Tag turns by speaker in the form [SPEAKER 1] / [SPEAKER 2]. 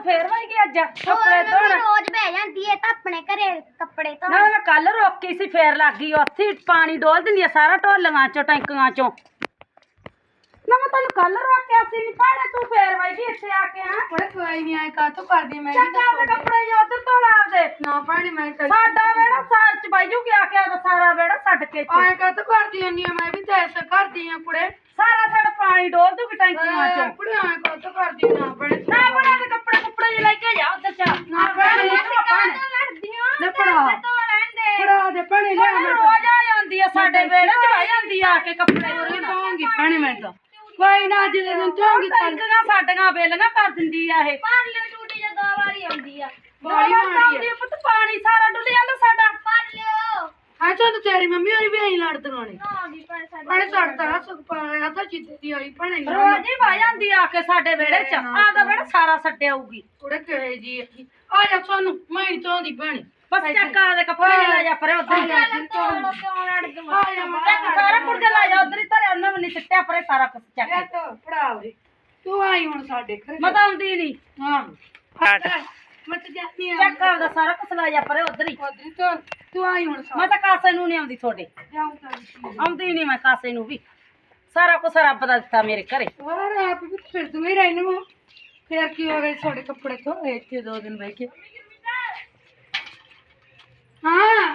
[SPEAKER 1] ਤੂੰ ਫੇਰ ਵਈ ਗਈ ਅੱਜ ਕੱਪੜੇ ਧੋਣ
[SPEAKER 2] ਰੋਜ਼ ਬਹਿ ਜਾਂਦੀ ਏ ਤਾਂ ਆਪਣੇ ਘਰੇ ਕੱਪੜੇ ਧੋਣ
[SPEAKER 1] ਨਾ ਮੈਂ ਕੱਲ ਰੋਕੀ ਸੀ ਫੇਰ ਲੱਗ ਗਈ ਉੱਥੇ ਪਾਣੀ ਡੋਲ ਦਿੰਦੀ ਆ ਸਾਰਾ ਢੋਲੀਆਂ ਚੋਂ ਟੈਂਕੀਆਂ ਚੋਂ ਨਾ ਮੈਂ ਤੈਨੂੰ ਕੱਲ ਰੋਕਿਆ ਸੀ ਨੀ ਭਾੜੇ ਤੂੰ ਫੇਰ ਵਈ ਗਈ ਇੱਥੇ ਆ ਕੇ ਆ
[SPEAKER 3] ਉਹਦੇ ਕੋਈ ਨਹੀਂ ਆਏ ਕਾਤੋਂ ਕਰਦੀ ਮੈਂ
[SPEAKER 1] ਚੰਗਾ ਦੇ ਕੱਪੜੇ ਜੋ ਉਧਰ ਧੋਣ ਆਪਦੇ
[SPEAKER 3] ਨਾ ਪਾਣੀ ਮੈਂ
[SPEAKER 1] ਸਾਡਾ ਵੇੜਾ ਸਾਲ ਚ ਬਾਈ ਜੂ ਗਿਆ ਕੇ ਉਹਦਾ ਸਾਰਾ ਵੇੜਾ ਛੱਡ ਕੇ ਇੱਥੇ।
[SPEAKER 3] ਆਏ ਕਾਤੋਂ ਕਰਦੀ ਹੁੰਨੀ ਆ ਮੈਂ ਵੀ ਤਾਂ ਐਸਾ ਕਰਦੀ ਆ ਕੁੜੇ
[SPEAKER 1] ਸਾਰਾ ਸਾਡਾ ਪਾਣੀ ਡੋਲ ਦੂਗੀ ਟੈਂਕੀਆਂ ਚੋਂ
[SPEAKER 3] ਕੁੜੇ ਆਏ ਕਾਤੋਂ ਕਰਦੀ ਨਾ ਬੜੇ
[SPEAKER 1] ਨਾ ਬਣਾ ਦੇ ਕੱਪੜੇ ਕੁੱਪੜੇ ਜਿਹੇ ਲੈ ਕੇ ਜਾ ਉੱਧਰ ਚਾ
[SPEAKER 3] ਨਾ ਭੈਣੇ,
[SPEAKER 1] ਨਾ
[SPEAKER 3] ਪੜਾ ਪੜਾ ਦੇ ਪਾਣੀ ਲੈ ਮੈਂ
[SPEAKER 1] ਰੋਜ਼ ਆ ਜਾਂਦੀ ਆ ਸਾਡੇ ਵੇੜੇ ਚ ਆ ਜਾਂਦੀ ਆ ਕੇ ਕੱਪੜੇ
[SPEAKER 3] ਤਾਂ ਧੋਂਗੀ ਪਾਣੀ ਮੈਂ ਤਾਂ ਕੋਈ ਨਾ ਅੱਜ ਦੇ ਦਿਨ ਧੋਂਗੀ
[SPEAKER 1] ਟੈਂਕੀਆਂ ਸਾਡੀਆਂ ਵੇਲੀਆਂ ਕਰ ਦਿੰਦੀ ਆ ਇਹ
[SPEAKER 2] ਭਰ ਲਿਓ ਟੂਟੀ ਜਾਂ 2 ਵਾਰੀ ਆਉਂਦੀ ਆ
[SPEAKER 3] ਬੜੀ ਮਾੜੀ ਆ
[SPEAKER 1] ਪੁੱਤ ਪਾਣੀ ਸਾਰਾ ਡੁੱਲ ਜਾਂਦਾ ਸਾਡਾ
[SPEAKER 2] ਭਰ ਲਿਓ
[SPEAKER 3] ਹਾਂ ਚਲ ਤੇਰੀ ਮੰਮੀ ਹੋਰੀ ਵੀ ਆਈ ਲੜਦੀਆਂ ਨੇ
[SPEAKER 2] ਆ ਗਈ ਪਰ ਸਾਡੇ
[SPEAKER 3] ਪਾਣੀ ਛੱਡਦਾ ਸੁੱਕ ਪਾਇਆ ਤਾਂ ਜਿੱਦੇ ਦੀ ਆਈ ਪਾਣੀ
[SPEAKER 1] ਰੋਜ਼ ਹੀ ਆ ਜਾਂਦੀ ਆ ਕੇ ਸਾਡੇ ਵੇੜੇ ਚ ਆਪਦਾ ਵੇੜਾ ਸਾਰਾ ਛੱਡਿਆਊਗੀ
[SPEAKER 3] ਕੁੜੇ ਕਹੇ ਜੀ ਆ ਜਾ ਸਾਨੂੰ ਮੈਂ ਹੀ ਧੋਂਦੀ ਪਾਣੀ
[SPEAKER 1] ਬਸ ਚੱਕਾ ਦੇ ਕੱਪੜੇ ਲੈ ਜਾ ਪਰੇ ਉਧਰ
[SPEAKER 2] ਕਿਉਂ ਲੜਦੀਆਂ
[SPEAKER 3] ਆ ਜਾ
[SPEAKER 1] ਚੱਕ ਸਾਰਾ ਕੁੜਦੇ ਲੈ ਜਾ ਉਧਰ ਹੀ ਧਰਿਆ ਉਹਨਾਂ ਨੇ ਸਿੱਟਿਆ ਪਰੇ ਸਾਰਾ ਕੁਝ ਚੱਕ
[SPEAKER 3] ਇਹ ਤਾਂ ਪੜਾ ਦੇ ਤੂੰ ਆਈ ਹੁਣ ਸਾਡੇ ਘਰੇ
[SPEAKER 1] ਮੈਂ ਤਾਂ ਆਉਂਦੀ ਨਹੀਂ
[SPEAKER 3] ਹਾਂ ਮੈਂ ਤਾਂ ਜਾਂਦੀ ਆ
[SPEAKER 1] ਚੱਕ ਆਪਦਾ ਸਾਰਾ ਕੁਝ ਲੈ ਜਾ ਪਰੇ ਉਧਰ ਹੀ
[SPEAKER 3] ਉਧਰ ਤੋਂ ਤੂੰ ਆਈ ਹੁਣ
[SPEAKER 1] ਮੈਂ ਤਾਂ ਕਾਸੇ ਨੂੰ ਨਹੀਂ ਆਉਂਦੀ ਤੁਹਾਡੇ
[SPEAKER 3] ਜਾਉਂ ਤਾਂ
[SPEAKER 1] ਆਉਂਦੀ ਨਹੀਂ ਮੈਂ ਕਾਸੇ ਨੂੰ ਵੀ ਸਾਰਾ ਕੁਝ ਰੱਬ ਦਾ ਦਿੱਤਾ ਮੇਰੇ ਘਰੇ
[SPEAKER 3] ਹੋਰ ਆਪ ਵੀ ਫਿਰ ਤੂੰ ਹੀ ਰਹਿਣ ਨੂੰ ਫਿਰ ਕੀ ਹੋ ਗਿਆ ਤੁਹਾਡੇ ਕੱਪੜੇ ਧੋਏ ਇੱਥੇ 2 ਦਿਨ ਬਹਿ ਕੇ ਹਾਂ